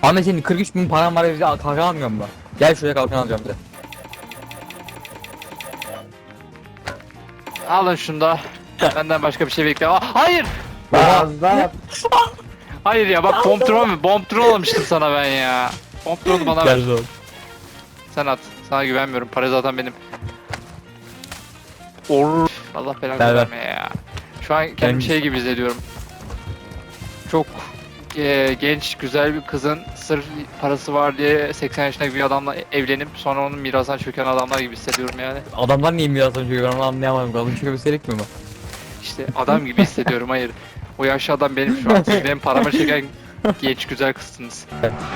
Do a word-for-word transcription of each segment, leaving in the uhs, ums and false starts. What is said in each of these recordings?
Ahmet senin kırk üç bin paran var, bize kalkan almıyor mu? Gel şuraya kalkan alacağım bize. Alın şunu da. Benden başka bir şey bekle. Aa, hayır. Fazla. Hayır ya bak bomb drone mu? Bomb drone almıştım sana ben ya. Bomb drone'u bana ver. Gel oğlum. Sen at. Sana güvenmiyorum. Para zaten benim. Or. Allah belanı Ver, ver. verme ya. Şu an kendimi Ben- şey gibi hissediyorum. Çok e, genç, güzel bir kızın sırf parası var diye seksen yaşındaki bir adamla evlenip sonra onun mirasına çöken adamlar gibi hissediyorum yani. Adamlar niye mirasını çekiyor, ben onu anlayamadım. Kalın çünkü gösterek mi bu? İşte adam gibi hissediyorum. Hayır. O yaşlı adam benim şu an. Siz benim paramı çeken genç güzel kızsınız.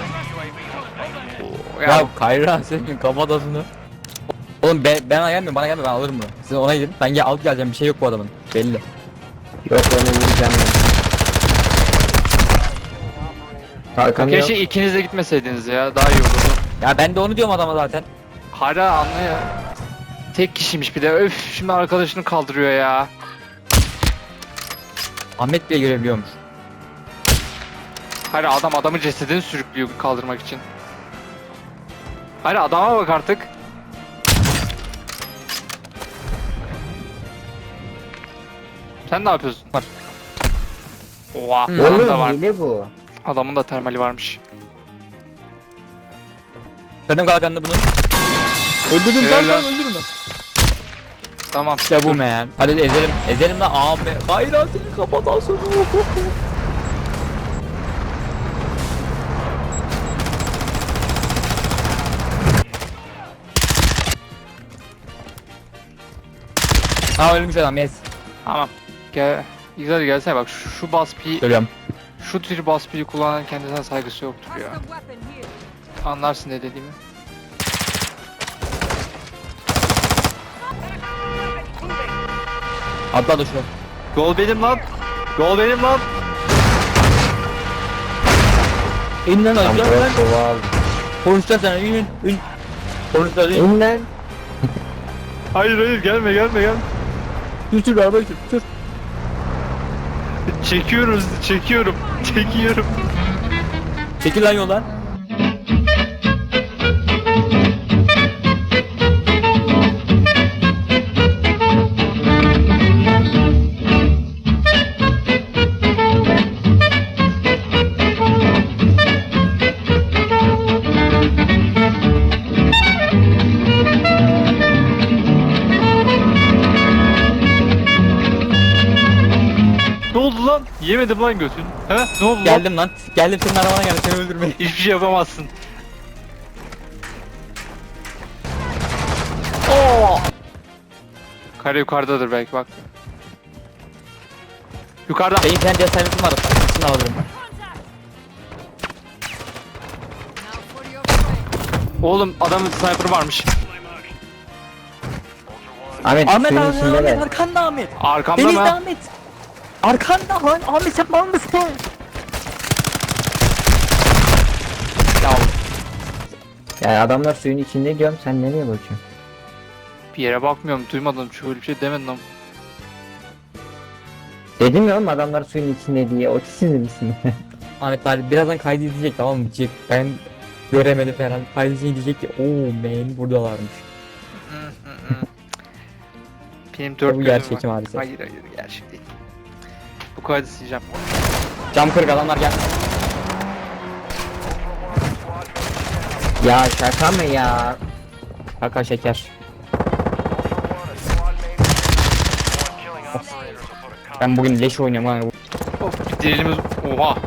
Oo, Ya, ya Kayra senin kafatasını. Oğlum ben, ben gelmiyorum, bana gelme, ben alırım bunu. Siz ona gidin, ben gel alıp geleceğim, bir şey yok bu adamın. Belli. Yok onu vuracağım ben. Kalkan yok. keşke ikiniz de gitmeseydiniz ya. Daha iyi olurdu. Ya ben de onu diyorum adama zaten. Hala anla ya. Tek kişiymiş bir de. Öf şimdi arkadaşını kaldırıyor ya. Ahmet bile görebiliyormuş. Hala adam adamın cesedini sürüklüyor kaldırmak için. Hala adama bak artık. Sen ne yapıyorsun? Var. Oha, Hı. adam da Oğlum var. hile bu. Adamın da termali varmış. Benim kalkanını bunu. Öldürdüm Helal kalkan, lan. öldürdüm. Tamam. İşte bu man. Hadi ezelim, ezelim lan abi. Kayra senin kafatasını. Ha ölmüş adam, yes. Tamam. Gel. Güzel gelsene bak şu, şu baspiyi, Görüyorum. şu tür baspiyi kullanan kendisine saygısı yoktur ya. Anlarsın ne dediğimi. Atla da şunu. Gol benim lan. Gol benim lan. İn lan Tam aşağı lan. kova aldım. Konuşacağız sana, in in in. Konuşacağız, in. İn lan. Hayır hayır gelme gelme gelme. Sür sür araba sür, sür. Çekiyoruz çekiyorum. Çekiyorum. Çekil lan yoldan. Ne oldu lan? Yemedim lan götün. He? Ne oldu lan? Geldim lan. Geldim senin arabana geldim, seni öldürmeye. Hiçbir şey yapamazsın. Oo! Kare yukarıdadır belki bak. Yukarıda. Benim kendi cesaretim var. İkisini alırım. Oğlum adamın sniper varmış. Ahmet, Ahmet suyun abi, içinde Ahmet de. arkanda Ahmet. Arkamda Denizde mı? Ahmet. Arkanda lan Ahmet, sen mal mısın? Ya Ya adamlar suyun içinde diyorum, sen nereye bakıyorsun? Bir yere bakmıyorum duymadım çünkü öyle bir şey demedin ama. Dedim ya oğlum, adamlar suyun içinde diye. O sinir misin? Ahmet bari birazdan kaydedecek, tamam mı? Diyecek ben göremedim falan. Kaydedecek, diyecek ki ooo man buradalarmış. Benim dört Bu gözüm gerçek var. maalesef. Hayır hayır gerçek değil. Bu kaydı sileceğim. Cam kırık, adamlar gel. Ya şaka mı ya? Kaka şeker. Of. Ben bugün leş oynuyorum ha. Of dilimiz... Oha.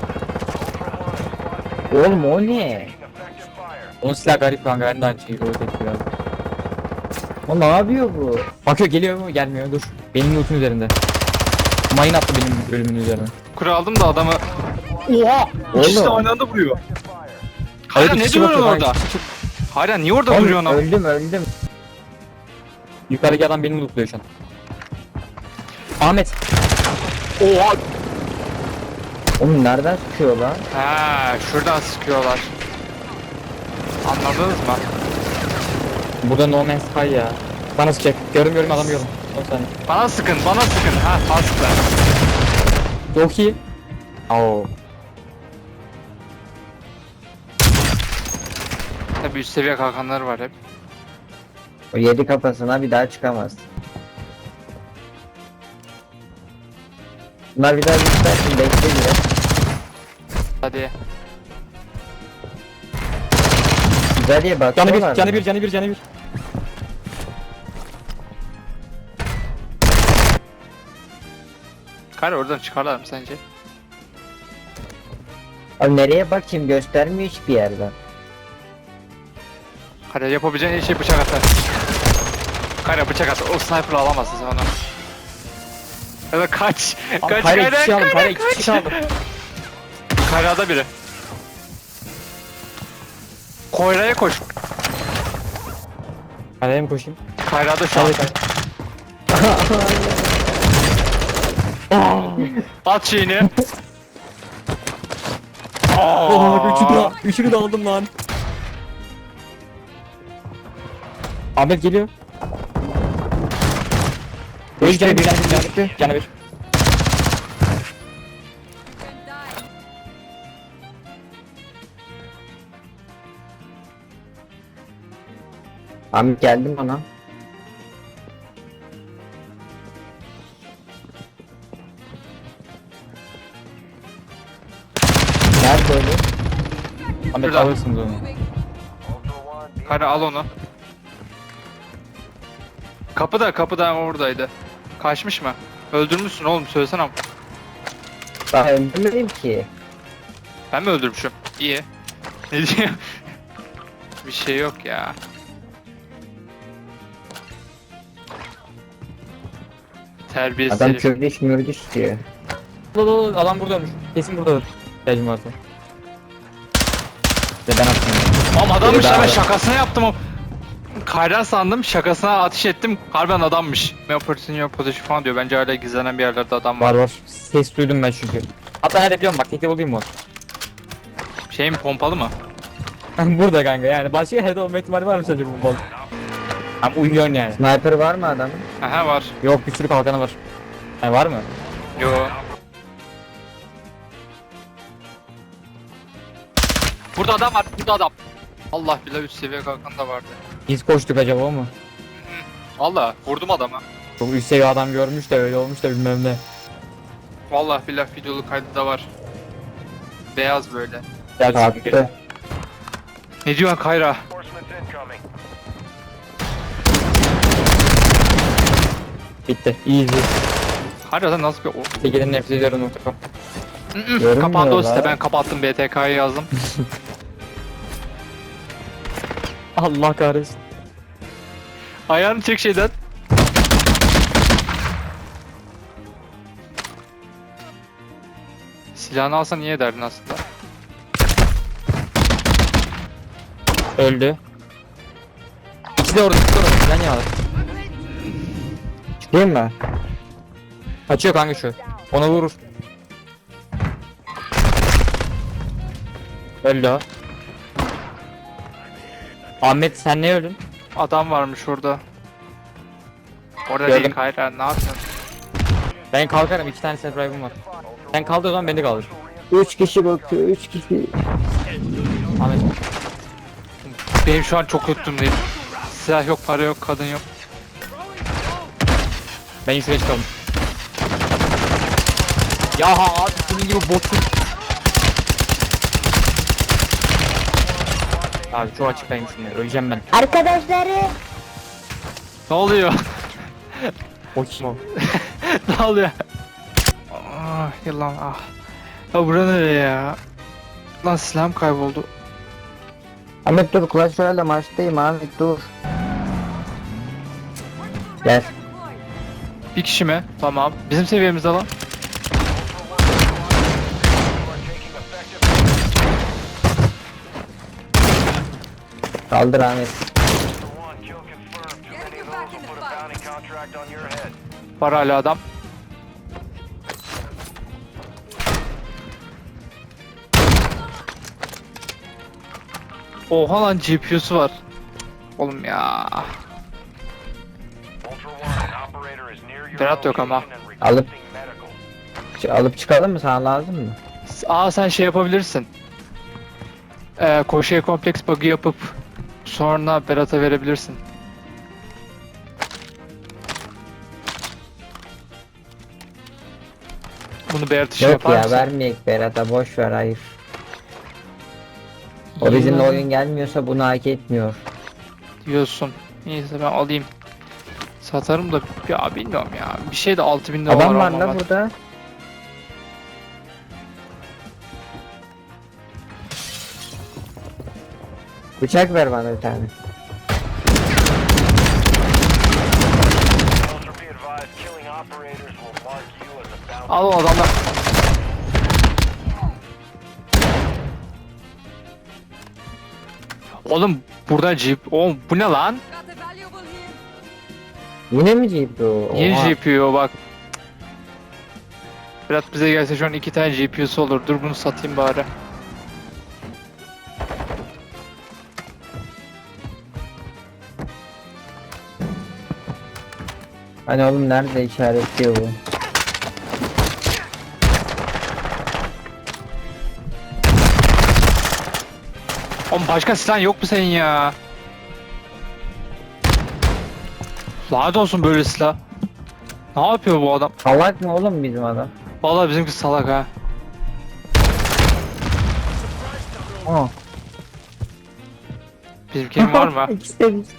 Oğlum o ne? Onun silah garip kanka, ben de aynı şeyi öyle tepki verdim. O ne yapıyor bu? Bakıyor, geliyor mu gelmiyor, dur. Benim loot'un üzerinde. Mayın attı benim ölümün üzerine. Kuru aldım da adamı... Oha! İkisi de Oğlum. aynı anda vuruyor. Hayır, Hala ne kişi duruyorsun bakıyor, orada? hayır, kişi- Hala niye orada Oğlum, duruyorsun? öldüm öldüm. Yukarıdaki adam benim lootluyor şu an. Ahmet. Oha! Oğlum nereden sıkıyor lan? Ha, şuradan sıkıyorlar. Anladınız mı? Burada No Man's Sky ya. Bana sıkacak. Gördüm gördüm, adamı gördüm. on saniye. Bana sıkın, bana sıkın. Ha, bana sıkın. Çok iyi. Oo. Tabii üst seviye kalkanlar var hep. O yedi kafasına bir daha çıkamaz. Bunlar bir daha yükselsin, bekle biraz. Hadi. Güzel diye Canı bakıyorlar bir, canı mı? bir, canı bir, canı bir. Kayra oradan çıkarlar mı sence? Abi nereye bakayım, göstermiyor hiçbir yerden. Kayra yapabileceğin en şey bıçak atar. Kayra bıçak atar. O sniper'ı alamazsın sen onu. Ya da kaç. Abi Kaç Kayra iki Kayra. kişi aldım, Kayra Kayra iki kişi kaç. aldım. Kayra'da biri. Koyra'ya koş. Kayra'ya mı koşayım? Kayra'da şu an. Hadi Kayra. At şeyini. Oh, üçünü de, üçünü de aldım lan. Ahmet geliyor. Bir canı bir, canı bir, canı bir, canı bir. Ahmet geldim ona. Nerede öyle? Ahmet Şurada. alırsınız onu. Kayra al onu. Kapıda kapıda oradaydı. Kaçmış mı? Öldürmüşsün oğlum söylesene. Ben öldürmedim ki. Ben mi öldürmüşüm? İyi. Ne diyor? Bir şey yok ya. Terbiyesiz Adam herif. kördüş mürdüş diyor. Dur, dur, dur, adam burada ölmüş. Kesin buradadır. İhtiyacım varsa. İşte ben attım. Oğlum adammış Biri ya daha ben var. şakasına yaptım o. Kayran sandım şakasına ateş ettim. Harbiden adammış. Ne opportunity your position falan diyor. Bence hala gizlenen bir yerlerde adam var. Var var. Ses duydum ben çünkü. Hatta nerede biliyorum bak, tekte bulayım mı? Şey mi pompalı mı? Burada kanka, yani başka yerde olma ihtimali var mı sence bu bal? Ama uyuyorsun yani. Sniper var mı adamın? Aha var. Yok, bir sürü kalkanı var. Yani var mı? Yo. Burada adam var. Burada adam. Allah billahi üst seviye kalkan da vardı. Biz koştuk acaba o mu? Allah vurdum adamı. Çok üst seviye adam görmüş de öyle olmuş da bilmem ne. Vallahi billahi videolu kaydı da var. Beyaz böyle. Gel Kalktı. Ne diyorsun Kayra? Bitti. Easy. Kayra nasıl bir... O- Tekerin nefret ediyorum nokta com. Görünmüyor Kapandı o lan. site ben kapattım B T K'yı yazdım. Allah kahretsin. Ayağını çek şeyden. Silahını alsan iyi ederdin aslında. Öldü. İkisi de orada, ikisi de orada. Sen ya. Çıkayım mı? Kaçıyor kanka şu. Ona vurur. Öldü o. Ahmet sen ne öldün? Adam varmış orada. Orada Gördüm. değil Kayra ne yapıyorsun? Ben kalkarım, iki tane self drive'ım var. Sen kaldır o zaman beni de kaldır. Üç kişi bakıyor, üç kişi. Ahmet. Benim şu an çok kötü durumdayım. Silah yok, para yok, kadın yok. Ben şuraya çıkalım. Ya ha abi senin gibi botsuz. Abi çok açıklayayım şimdi, öleceğim ben. Arkadaşları Ne oluyor? O kim o? Ne oluyor? Ah yılan ah. Ya bura nereye ya? Lan silahım kayboldu. Ahmet dur, Clash Royale'de maçtayım Ahmet dur. Gel. Bir kişi mi? Tamam. Bizim seviyemizde lan. Kaldır Ahmet. Var hala adam. Oha lan G P U'su var. Oğlum ya. Berat yok ama. Alıp Ç- alıp çıkalım mı, sana lazım mı? Aa sen şey yapabilirsin. Ee, koşuya kompleks bug'ı yapıp Sonra Berat'a verebilirsin. Bunu Berat işi Yok yapar ya mısın? vermeyek Berat'a, boş ver, hayır. O bizimle Yıllar oyun gelmiyorsa bunu hak etmiyor. diyorsun. Neyse ben alayım. Satarım da ya bilmiyorum ya. Bir şey de altı bin lira Adam var almam la ben. burada. Bıçak ver bana bir tane. Ultra be advised, killing operators will mark you as a bounty. Al o adamlar. Oğlum burada jeep. Oğlum bu ne lan? Got a valuable here. Yine mi G P U? Yeni Oha. G P U bak. Berat bize gelse şu an iki tane G P U'su olur. Dur bunu satayım bari. Hani oğlum nerede işaretliyor bu? Oğlum başka silah yok mu senin ya? Lanet olsun böyle silah. Ne yapıyor bu adam? Salak mı oğlum bizim adam? Vallahi bizimki salak ha. Aa. Bizimkinin var mı? İkisi de biz.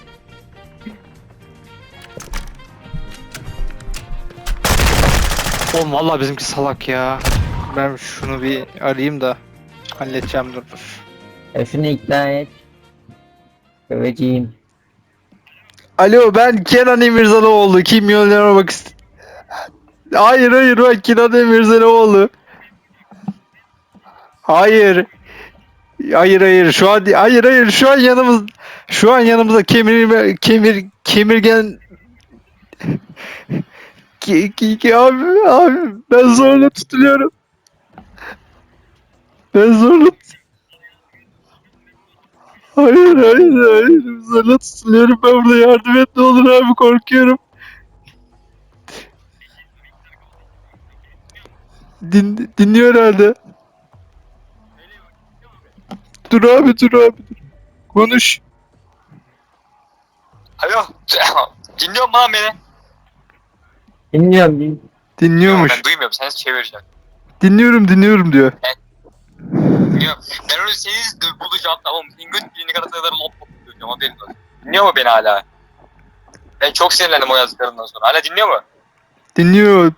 Oğlum vallahi bizimki salak ya. Ben şunu bir arayayım da halledeceğim dur dur. Ya şunu ikna et. Döveceğim. Alo ben Kenan İmirzalıoğlu. Kim milyoner olmak ist... Hayır hayır ben Kenan İmirzalıoğlu. Hayır. Hayır hayır şu an hayır hayır şu an yanımız şu an yanımızda kemir kemir kemirgen ki, ki, ki abi abi ben zorla tutuluyorum. Ben zorla Hayır hayır hayır zorla tutuluyorum ben burada yardım et ne olur abi korkuyorum. Din, dinliyor herhalde. Dur abi dur abi dur. Konuş. Alo. Dinliyor musun lan beni? Dinliyorum bil. Dinliyormuş. Ben duymuyorum. Sen çevireceğim. Dinliyorum dinliyorum diyor. Dinliyorum. Ben öyle seni bulacağım tamam mı? Senin göt birliğine kadar kadar lop lop diyeceğim haberin olsun. Dinliyor mu beni hala? Ben çok sinirlendim o yazdıklarından sonra. Hala dinliyor mu? Dinliyor.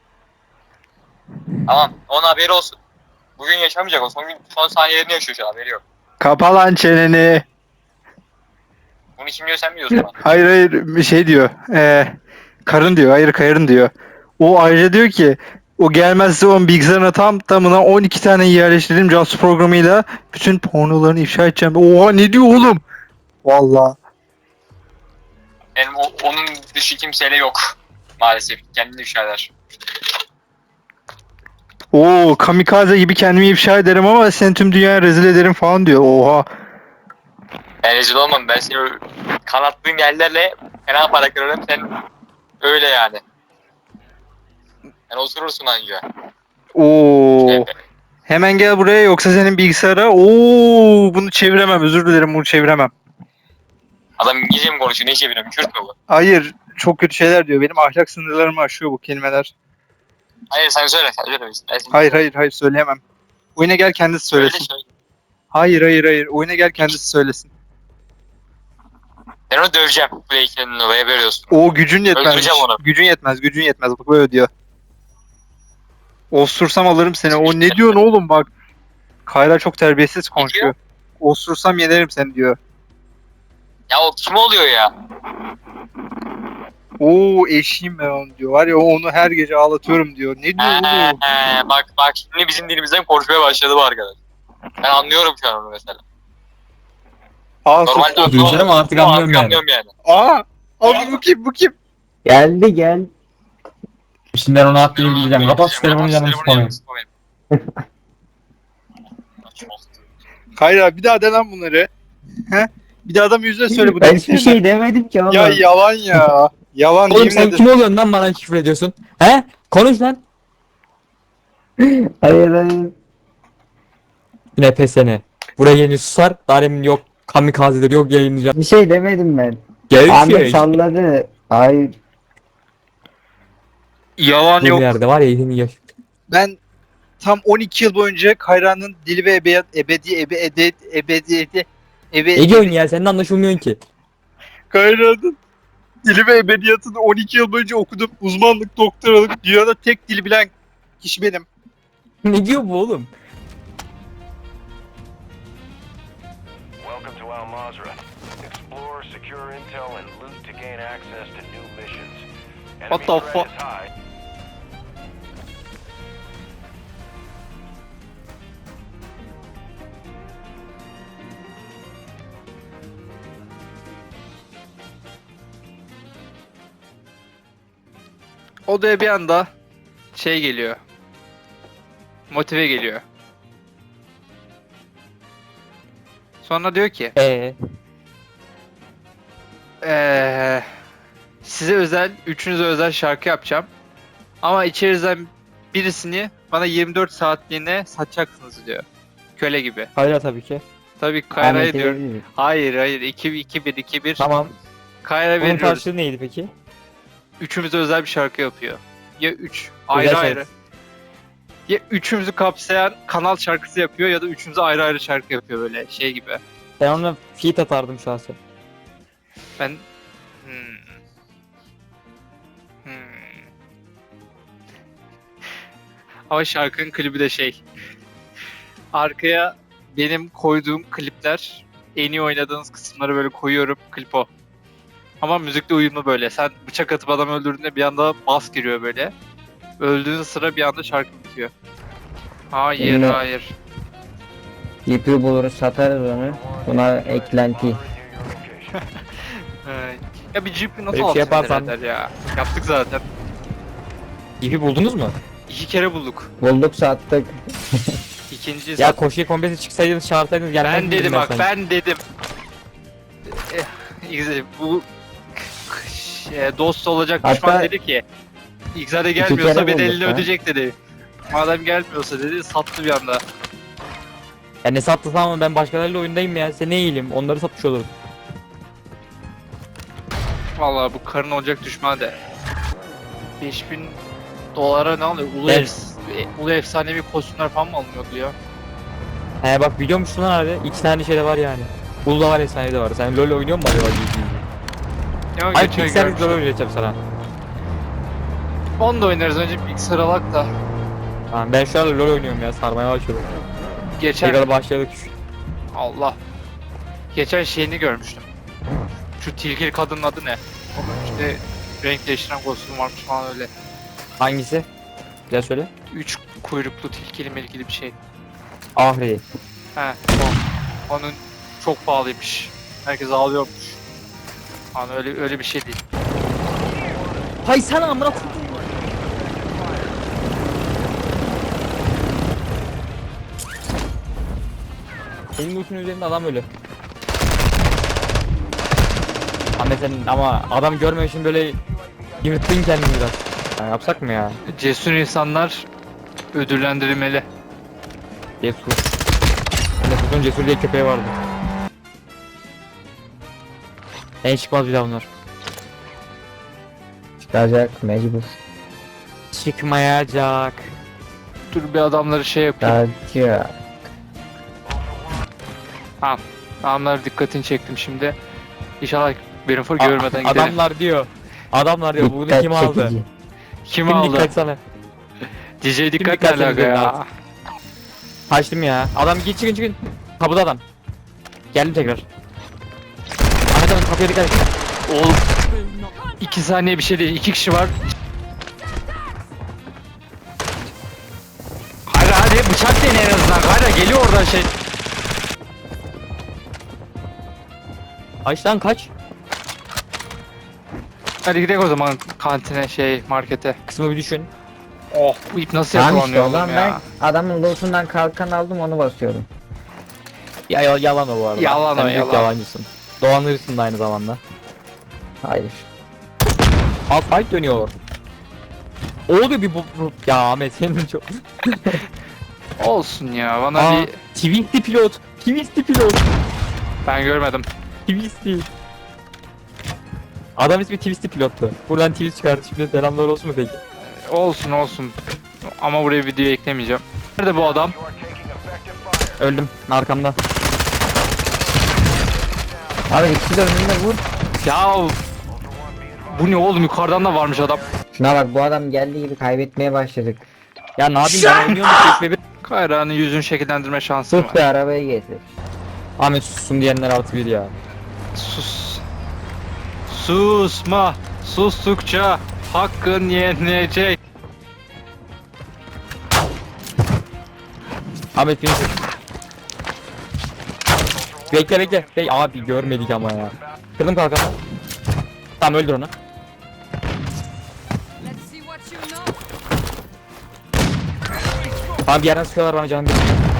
Tamam. Onun haberi olsun. Bugün yaşamayacak o. Son gün son saniyelerini yaşıyor şu an. Haberi yok. Kapa lan çeneni. Bunu kim diyor sen biliyorsun bana. Hayır hayır bir şey diyor. Ee, karın diyor. Hayır karın diyor. O ayrıca diyor ki o gelmezse onun bilgisayarına tam tamına on iki tane yerleştirdim casus programıyla bütün pornolarını ifşa edeceğim. Oha ne diyor oğlum? Vallahi. Benim o, onun dışı kimseyle yok. Maalesef. Kendini ifşa eder. Oo kamikaze gibi kendimi ifşa ederim ama seni tüm dünyaya rezil ederim falan diyor. Oha. Ben rezil olmam. Ben seni kanattığın yerlerle fena para kırarım. Sen öyle yani. Sen oturursun anca. Oo. Evet. Hemen gel buraya yoksa senin bilgisayara. Oo bunu çeviremem. Özür dilerim bunu çeviremem. Adam İngilizce mi konuşuyor? Ne çeviriyorum? Kürt mü bu? Hayır çok kötü şeyler diyor. Benim ahlak sınırlarımı aşıyor bu kelimeler. Hayır sen söyle. Sen söyle. Ben seni- Hayır hayır hayır söyleyemem. Oyuna gel kendisi Söyle söylesin. söyle. Hayır hayır hayır. Oyuna gel kendisi söylesin. Ben onu döveceğim. Play ikilinin oraya veriyorsun. O gücün yetmez. Öldüreceğim onu. Gücün yetmez. Gücün yetmez. Bak böyle diyor. Osursam alırım seni. O ne diyorsun oğlum bak. Kayra çok terbiyesiz konuşuyor. Osursam yenerim seni diyor. Ya o kim oluyor ya? Oo eşiyim ben onu diyor. Var ya onu her gece ağlatıyorum diyor. Ne diyor Ee, oğlum? ee, bak bak şimdi bizim dilimizden konuşmaya başladı bu arkadaş. Ben anlıyorum şu an onu mesela. Aa Normalde sustu. anlıyorum ama artık anlıyorum yani. anlıyorum yani. Aa. Abi bu kim bu kim? Geldi gel. Şimdi ben onu attığını bileceğim. Kapat şu telefonu canımı sıkmayın. Kayra bir daha de lan bunları. He? Bir daha adam yüzüne söyle bu Ben dediklerini. hiçbir şey demedim ki oğlum. Ya yalan ya. Yalan Oğlum yemin sen ederim. kim oluyorsun lan bana küfür ediyorsun? He? Konuş lan. Hayır hayır. Yine pesene. Buraya yeni susar. Daha demin yok. kamikazeleri yok yayınlayacağım. Bir şey demedim ben. Gel Ahmet şey. salladı. Ay Yalan Bu yok. yerde var ya yeni yaş. Ben tam on iki yıl boyunca Kayra'nın dili ve ebedi ebedi ebe ede ebediyeti ebe Ne diyorsun ya seninle anlaşılmıyorsun ki. Kayra'nın dili ve ebediyatını on iki yıl boyunca okudum. Uzmanlık, doktoralık. Dünyada tek dili bilen kişi benim. Ne diyor bu oğlum? Welcome to Al Mazrah. Explore, secure intel, and loot to gain access to new missions. Enemy What the threat fuck? is high. Odaya bir anda şey geliyor. Motive geliyor. Sonra diyor ki Eee. Eee size özel, üçünüze özel şarkı yapacağım. Ama içerinizden birisini bana yirmi dört saatliğine satacaksınız diyor. Köle gibi. Hayır tabii ki. Tabii Kayra'ya Ahmet'e diyor. verir. Hayır hayır iki iki bir iki bir. Tamam. Kayra Bunun veriyoruz. karşılığı neydi peki? Üçümüze özel bir şarkı yapıyor. Ya üç ayrı Özel ayrı. şarkı. Ya üçümüzü kapsayan kanal şarkısı yapıyor ya da üçümüze ayrı ayrı şarkı yapıyor böyle şey gibi. Ben ona feat atardım şahsen. Ben hmm. Hmm. Ama şarkının klibi de şey. Arkaya benim koyduğum klipler, en iyi oynadığınız kısımları böyle koyuyorum, klip o. Ama müzikle uyumlu böyle. Sen bıçak atıp adam öldürdüğünde bir anda bas giriyor böyle. Öldüğün sıra bir anda şarkı bitiyor. Hayır, Yine- hayır. Yipi buluruz satarız onu. Buna eklenti. Your location. Ee, ya bir Jeep'i nasıl Böyle bir şey altı yaparsan- eder ya? Yaptık zaten. İpi buldunuz mu? İki kere bulduk. Bulduk sattık. İkinci Ya sat- koşuya kombesi çıksaydınız çağırsaydınız gelmez ben miydim dedim bak sana? ben dedim. Eh, bu şey, dost olacak Hatta- düşman dedi ki İgzade gelmiyorsa kere bedelini bulduk ha. ödeyecek dedi. Madem gelmiyorsa dedi sattı bir anda. Ya ne sattı ama ben başkalarıyla oyundayım ya. Sen ne iyiyim? Onları satmış olurum. Vallahi bu karın olacak düşman de. beş bin dolara ne alıyor? Ulu, Ben- efs- e, ulu efsanevi kostümler falan mı alınıyordu ya? He bak biliyor musun lan abi? İki tane şey de var yani. Ulda var efsane de var. Sen LoL oynuyor musun acaba? Ya Hayır geçen Pixel LoL görmüştüm. oynayacağım sana. Onu da oynarız önce bilgisayar alak da. Tamam ben şu an LoL oynuyorum ya. Sarmaya başladım. Geçen Tekrar başladık. Allah. Geçen şeyini görmüştüm. Şu tilkili kadının adı ne? Onun işte renk değiştiren kostüm varmış falan öyle. Hangisi? Güzel söyle. Üç kuyruklu tilkili melkili bir şey. Ahri. He o. Onun çok pahalıymış. Herkes ağlıyormuş. Hani öyle öyle bir şey değil. Hay sana amına koydum. Senin ultun üzerinde adam ölü. Ahmet sen ama adam görmemek için böyle yırttın kendini biraz. Ya yapsak mı ya? Cesur insanlar ödüllendirilmeli. Cesur. Mesut'un Cesur diye köpeği vardı. En çıkmaz bir daha bunlar. Çıkacak mecbur. Çıkmayacak. Dur bir adamları şey yapayım. Çıkacak. Adamlar dikkatini çektim şimdi. İnşallah benim fır A- görmeden gidelim. Adamlar diyor. Adamlar diyor bunu Dikkat kim aldı? çekici. Kim Kim aldı? dikkat sana? D J dikkat ne dikkat alaka üzerine ya? aldı? Kaçtım ya. Adam git çıkın çıkın. Kapıda adam. Geldim tekrar. Ahmet abi kapıya dikkat et. Oğlum. iki saniye bir şey değil. İki kişi var. Hadi hadi bıçak dene en azından. Hadi geliyor oradan şey. Kaç lan kaç? Hadi gidelim o zaman kantine şey markete. Kısmı bir düşün. Oh bu ip nasıl Tamam işte yakalanıyor o oğlum zaman ya? ben adamın lootundan kalkan aldım onu basıyorum. Ya, ya yalan o bu arada. Yalan Sen o, büyük yalan. yalancısın. Dolandırırsın da aynı zamanda. Hayır. Al fight dönüyor. Oldu bir bu, bu. Ya Ahmet senin çok. Olsun ya bana Aa, bir Twist'i pilot. Twist'i pilot. Ben görmedim. Twisty. Adam ismi Twisty pilottu. Buradan Twist kardeşimle selamlar olsun mu peki? Olsun olsun. Ama buraya videoyu eklemeyeceğim. Nerede bu adam? You are taking effective fire. Öldüm arkamda. Abi ikisi de önünde vur. Ya Ultra One, be advised. bu ne oğlum, yukarıdan da varmış adam. Şuna bak, bu adam geldiği gibi kaybetmeye başladık. Ya ne yapayım ben oynuyorum ki bir. Kayra'nın yüzünü şekillendirme şansı Sus var. be, arabayı getir. Ahmet sussun diyenler artı bir ya. Sus. Susma. Sustukça hakkın yenecek. Ahmet beni sus. Bekle bekle. Bek abi görmedik ama ya. Kırdım kalkanı. Tamam öldür onu. Let's see what you know. Abi bir yerden sıkıyorlar bana canım bir.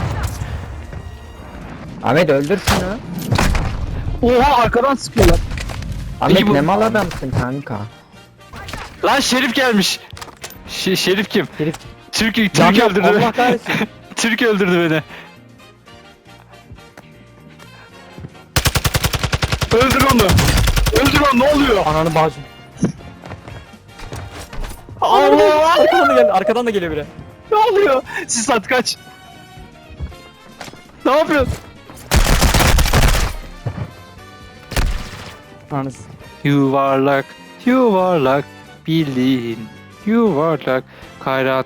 Ahmet öldür şunu. Oha, arkadan sıkıyorlar. Ahmet Peki bu- ne mal adamsın kanka. Lan Şerif gelmiş. Ş- Şerif kim? Herif. Türk, Türk Can yok, öldürdü Allah beni. kahretsin. Türk öldürdü beni. Öldür onu. Öldür onu, ne oluyor? Ananı bağcım. Allah! Arkadan da gel, arkadan da geliyor biri. Ne oluyor? Sisat kaç. Ne yapıyorsun? Ananız. Yuvarlak, yuvarlak, bildiğin yuvarlak, kayrat.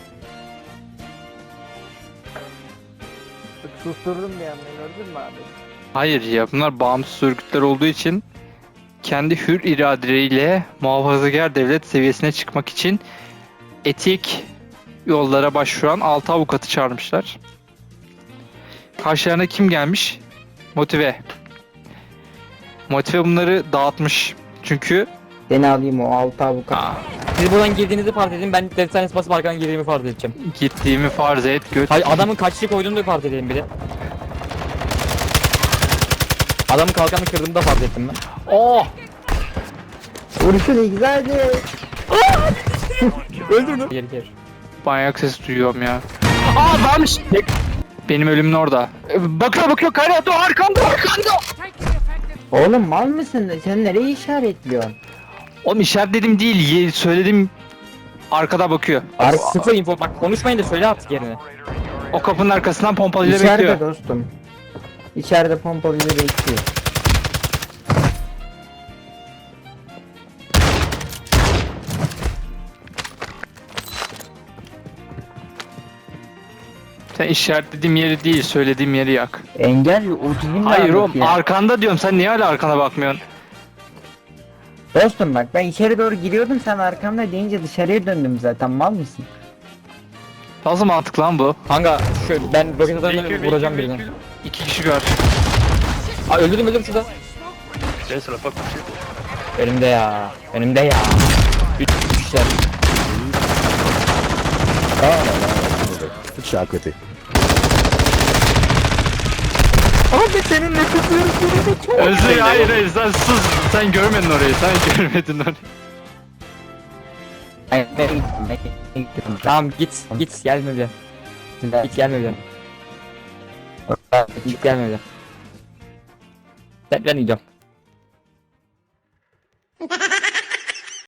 Susturdum bir anda, gördün mü abi? Hayır ya, bunlar bağımsız örgütler olduğu için kendi hür iradeleriyle muhafazakar devlet seviyesine çıkmak için etik yollara başvuran altı avukatı çağırmışlar. Karşılarına kim gelmiş? Motive. Motive bunları dağıtmış. Çünkü Seni alayım, o altı avukat. aa, Siz buradan girdiğinizi farz edin, ben defternesi basıp arkadan girdiğimi farz edeceğim. gittiğimi farz et göt. Hayır adamın kaçlı koyduğunu da farz edelim bir de. Adamın kalkanını kırdığımı da farz ettim ben. Oh! Vuruşunu güzeldi. Öldür onu. Geri geri. Manyak ses duyuyorum ya. Aa, varmış. Benim ölümün orada. Ee, Bakıyor bakıyor, Kayrat o arkanda arkanda. Taking effective. Oğlum mal mısın? Sen nereye işaretliyorsun? Oğlum işaretledim değil, ye- söyledim, arkada bakıyor. Ar sıfır info bak konuşmayın da söyle artık yerine. O kapının arkasından pompalıyla İçeride bekliyor. dostum. İçeride pompalıyla bekliyor. Sen işaretlediğim yeri değil, söylediğim yeri yak. Engel otizm Hayır oğlum, ya. arkanda diyorum, sen niye hala arkana bakmıyorsun? Dostum bak, ben içeri doğru giriyordum, sen arkamda deyince dışarıya döndüm zaten, mal mısın? Nasıl mantıklı lan bu? Kanka şu ben roket atarını vuracağım birini. İki kişi gör. Aa öldürdüm öldürdüm şurada. Önümde ya. Önümde ya. Üç kişiler. Ciao a te. Abi senin nefeslerin seni çok. Özür, hayır hayır, sen sus, sen görmedin orayı, sen görmedin orayı. Hayır, ben gittim, ben gittim. Tamam git git gelme bir. Git gelme bir. Git gelme bir. Ben, ben gidiyorum.